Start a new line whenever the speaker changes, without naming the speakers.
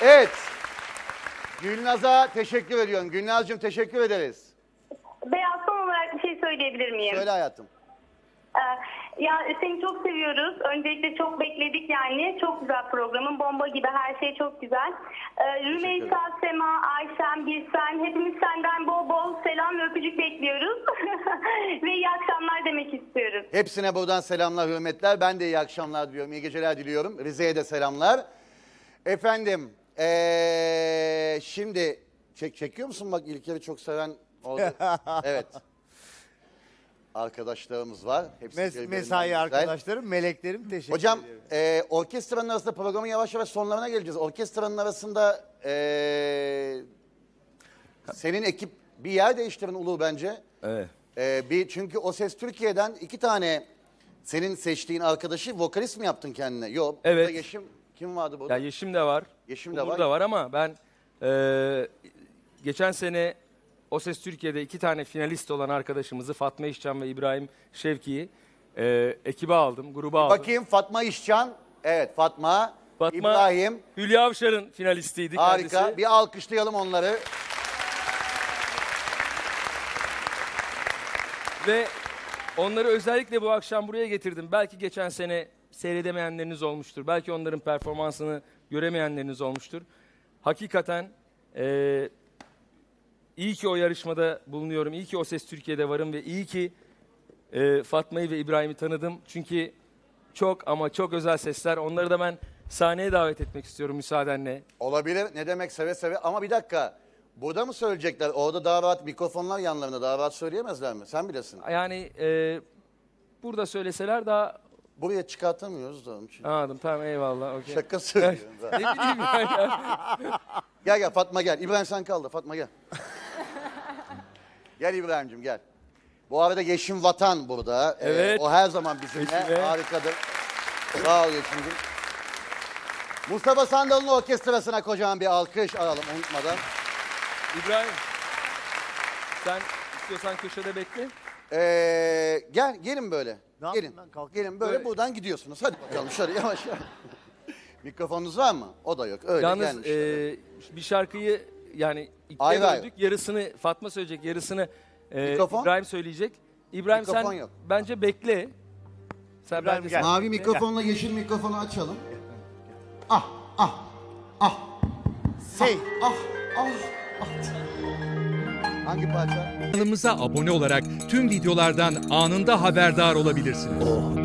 Evet. Gülnaz'a teşekkür ediyorum. Gülnaz'cığım teşekkür ederiz.
Beyaz, son olarak bir şey söyleyebilir miyim?
Söyle hayatım.
Ya seni çok seviyoruz. Öncelikle çok bekledik yani. Çok güzel programın. Bomba gibi, her şey çok güzel. Rümeysa, Sema, Ayşem, Birsen, hepimiz senden bol bol selam ve öpücük bekliyoruz. Ve iyi akşamlar demek istiyoruz.
Hepsine buradan selamlar, hürmetler. Ben de iyi akşamlar diliyorum, iyi geceler diliyorum. Rize'ye de selamlar. Efendim, şimdi çekiyor musun? Bak İlker'i çok seven oldu. Evet. Arkadaşlarımız var. Hepsi birbirinden
Mesai
güzel.
arkadaşlarım, meleklerim, teşekkür
Hocam,
ediyorum.
orkestranın arasında programın yavaş yavaş sonlarına geleceğiz. Orkestranın arasında senin ekip bir yer değiştirin Ulu bence.
Evet.
Çünkü O Ses Türkiye'den 2 tane senin seçtiğin arkadaşı vokalist mi yaptın kendine? Yok.
Evet.
Burada Yeşim kim vardı burada?
Ya Yeşim de var.
Yeşim de
Uğur
var.
da var ama ben geçen sene O Ses Türkiye'de 2 tane finalist olan arkadaşımızı Fatma İşcan ve İbrahim Şevki'yi ekibe aldım, gruba aldım.
Bakayım Fatma İşcan. Evet Fatma.
Fatma,
İbrahim.
Hülya Avşar'ın finalistiydi
Harika.
kendisi.
Bir alkışlayalım onları.
Ve onları özellikle bu akşam buraya getirdim. Belki geçen sene seyredemeyenleriniz olmuştur. Belki onların performansını göremeyenleriniz olmuştur. Hakikaten iyi ki o yarışmada bulunuyorum. İyi ki O Ses Türkiye'de varım ve iyi ki Fatma'yı ve İbrahim'i tanıdım. Çünkü çok ama çok özel sesler. Onları da ben sahneye davet etmek istiyorum müsaadenle.
Olabilir. Ne demek seve seve. Ama bir dakika. Burada mı söyleyecekler? Orada daha rahat mikrofonlar yanlarında. Daha rahat söyleyemezler mi? Sen bilesin.
Yani burada söyleseler daha...
Buraya çıkartamıyoruz da onun için.
Anladım, tamam, eyvallah. Okay.
Şaka söylüyorum.
Ne bileyim yani.
Gel gel Fatma gel. İbrahim sen kaldı. Fatma gel. Gel İbrahim'cim gel. Bu arada Yeşim Vatan burada.
Evet.
O her zaman bizimle.
Yeşim, evet.
Harikadır. Sağ ol Yeşim'cim. Mustafa Sandal'ın orkestrasına kocaman bir alkış alalım unutmadan.
İbrahim, sen istiyorsan köşede bekle.
Gelin böyle.
Ne
Gelin.
yapayım ben? Kalk.
Gelin böyle
Böyle.
buradan gidiyorsunuz. Hadi bakalım şöyle yavaş yavaş. Mikrofonunuz var mı? O da yok. Öyle
Yalnız
gelmişler.
bir şarkıyı yani ikiye
Ayrı ayrı.
böldük. Yarısını Fatma söyleyecek, yarısını
Mikrofon?
İbrahim söyleyecek. İbrahim
Mikrofon
sen
yok.
bence bekle. Sen
İbrahim
bence
gel.
Mavi mikrofonla yeşil mikrofonu açalım. Ah ah ah.
Hey.
Ah ah ah. Hangi parça?
Kanalımıza abone olarak tüm videolardan anında haberdar olabilirsiniz.